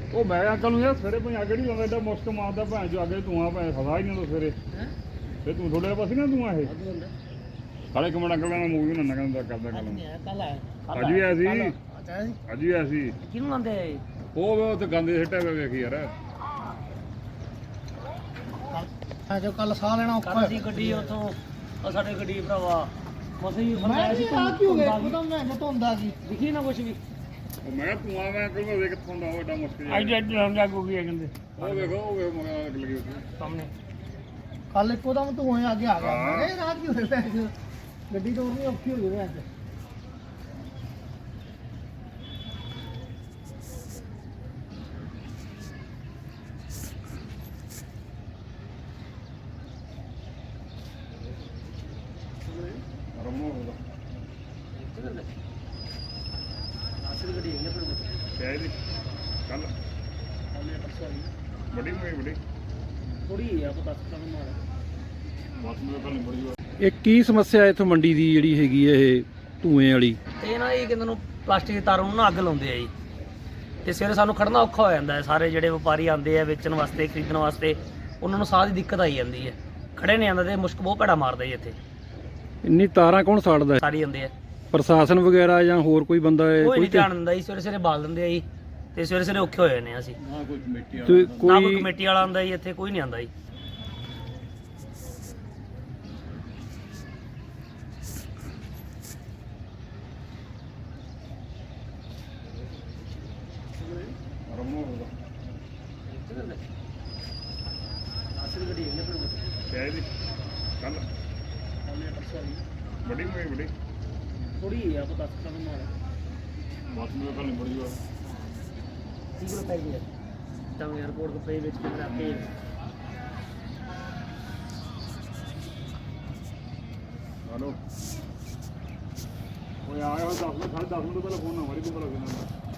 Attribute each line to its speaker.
Speaker 1: ਉਹ ਮੈਂ ਅੰਕਲ ਨੂੰ ਯਾਰ ਸਵੇਰੇ ਭਾਈ ਅੱਗੇ ਨਹੀਂ ਲਾਉਂਦਾ, ਐਡਾ ਮੁਸ਼ਕ ਮਾਰਦਾ ਭੈਣ ਜੋ ਅੱਗੇ ਧੂਆਂ ਭੈਣ ਸਦਾ ਹੀ ਨਹੀਂ ਹੁੰਦਾ ਸਵੇਰੇ। ਤੇ ਤੂੰ ਥੋੜੇ ਪਾਸੇ ਨਾ ਧੂਆਂ ਇਹ ਕਾਲੇ ਇੱਕ ਮਿੰਟ ਅੰਕਲ ਨਾਲ ਮੂਵੀ ਨਾ ਕਹਿੰਦਾ ਕਰਦਾ ਗੱਲ। ਅੱਜ ਵੀ ਆਇਆ ਸੀ, ਅੱਜ ਵੀ ਆਇਆ ਸੀ।
Speaker 2: ਕਿਹਨੂੰ ਆਂਦੇ
Speaker 1: ਉਹ ਉੱਥੇ ਗੰਦੇ ਸਿੱਟਿਆ ਪਿਆ ਵੇਖੀ ਯਾਰ।
Speaker 3: ਜੋ ਕੱਲ ਸਾਹ ਲੈਣਾ ਔਖਾ
Speaker 2: ਸੀ ਗੱਡੀ ਉੱਥੋਂ, ਉਹ ਸਾਡੇ ਗੱਡੀ ਭਰਾਵਾ ਮਸੇ ਹੀ
Speaker 3: ਮੈਂ ਸੀ ਆ ਕੀ ਹੋ ਗਿਆ ਇੱਕਦਮ ਮੈਂ ਜੋ ਧੁੰਦਾ ਕੀ
Speaker 2: ਦਿਖੀ ਨਾ ਕੁਛ ਵੀ।
Speaker 1: ਉਹ ਮੈਂ ਧੂਆਂ ਮੈਂ ਅੰਕਲ ਨੂੰ ਵੇਖ ਕਿੱਥੋਂ ਦਾ ਉਹ ਐਡਾ ਮੁਸ਼ਕ ਜਿਹਾ।
Speaker 2: ਅੱਜ ਅੱਜ ਲਾਉਣ ਲੱਗੂ ਵੀ ਕਹਿੰਦੇ
Speaker 1: ਉਹ ਵੇਖੋ ਉਹ ਵੇਖ ਮਗਾ ਅੱਗ ਲੱਗੀ ਉੱਥੇ
Speaker 2: ਸਾਹਮਣੇ।
Speaker 3: ਕੱਲ ਇੱਕਦਮ ਧੂਏ ਅੱਗੇ ਆ ਗਿਆ। ਮੈਂ ਕਿਹਾ ਰਾਤ ਕੀ ਹੋ ਰਿਹਾ ਗੱਡੀ ਤੋਂ ਵੀ ਔਖੀ ਹੋ ਗਈ ਅੱਜ।
Speaker 1: ਰਮੋ ਹੋਦਾ
Speaker 2: ਅਸਲ ਗੱਡੀ ਹੈ ਪਰ
Speaker 1: ਕਿਹਾ ਜੀ ਕੱਲ ਬੜੀ ਬੜੀ
Speaker 2: ਥੋੜੀ ਆ ਪਤਾ ਤਾਂ ਮਾਰ
Speaker 1: ਬਸ ਮੇਰੇ ਕੱਲ ਬੜੀ
Speaker 4: ਇਹ ਕੀ ਸਮੱਸਿਆ ਇੱਥੋਂ ਮੰਡੀ ਦੀ ਜਿਹੜੀ ਹੈਗੀ ਹੈ ਇਹ ਧੂਏ ਵਾਲੀ?
Speaker 2: ਇਹ ਨਾ ਇਹ ਕਹਿੰਦੇ ਨੂੰ ਪਲਾਸਟਿਕ ਦੀ ਤਾਰਾਂ ਨੂੰ ਨਾ ਅੱਗ ਲਾਉਂਦੇ ਆ ਜੀ, ਤੇ ਸਵੇਰੇ ਸਾਨੂੰ ਖੜਨਾ ਔਖਾ ਹੋ ਜਾਂਦਾ ਹੈ। ਸਾਰੇ ਜਿਹੜੇ ਵਪਾਰੀ ਆਉਂਦੇ ਆ ਵੇਚਣ ਵਾਸਤੇ ਖਰੀਦਣ ਵਾਸਤੇ, ਉਹਨਾਂ ਨੂੰ ਸਾਹ ਦੀ ਦਿੱਕਤ ਆਈ ਜਾਂਦੀ ਹੈ, ਖੜੇ ਨਹੀਂ ਆਉਂਦਾ ਤੇ ਮੁਸ਼ਕ ਬਹੁਤ ਭੈੜਾ ਮਾਰਦਾ ਜੀ ਇੱਥੇ।
Speaker 4: ਇੰਨੀ ਤਾਰਾਂ ਕੌਣ ਸਾੜਦਾ ਹੈ?
Speaker 2: ਸਾਰੀ ਆਉਂਦੇ ਆ,
Speaker 4: ਪ੍ਰਸ਼ਾਸਨ ਵਗੈਰਾ ਜਾਂ ਹੋਰ ਕੋਈ ਬੰਦਾ ਹੈ?
Speaker 2: ਕੋਈ ਨਹੀਂ ਧਿਆਨ ਦਿੰਦਾ ਜੀ। ਸਵੇਰੇ ਸਵੇਰੇ ਬਾਲ ਦਿੰਦੇ ਆ ਜੀ, ਤੇ ਸਵੇਰੇ ਸਵੇਰੇ ਔਖੇ ਹੋਏ ਨੇ ਅਸੀਂ।
Speaker 1: ਨਾ ਕੋਈ ਕਮੇਟੀ
Speaker 4: ਤੇ
Speaker 2: ਨਾ ਕੋਈ
Speaker 4: ਕੋਈ
Speaker 2: ਕਮੇਟੀ ਵਾਲਾ ਆਉਂਦਾ ਜੀ ਇੱਥੇ, ਕੋਈ ਨਹੀਂ ਆਉਂਦਾ ਜੀ।
Speaker 1: ਰਮੋ ਹੋਦਾ
Speaker 2: ਅਸਲ ਗੱਡੀ ਹੈ ਪਰ
Speaker 1: ਕਿਹਾ ਜੀ ਕੱਲ ਬੜੀ ਬੜੀ
Speaker 2: ਥੋੜੀ ਆ ਪਤਾ ਤਾਂ ਮਾਰ
Speaker 1: ਬਸ ਮੇਰੇ ਕੱਲ ਬੜੀ
Speaker 2: 30 ਰੁਪਏ ਦੀ ਹੈ ਤਾਂ 에어ਪੋਰਟ ਤੋਂ ਪੇ ਵਿੱਚ ਕੇ ਆਪੇ
Speaker 1: ਹਲੋ ਉਹ ਆਇਆ 10 ਮਿੰਟ 10:30 ਮਿੰਟ ਪਹਿਲਾਂ ਫੋਨ ਨਾ ਮਾਰੀ ਤੂੰ ਭਲਾ ਕਿੰਨਾ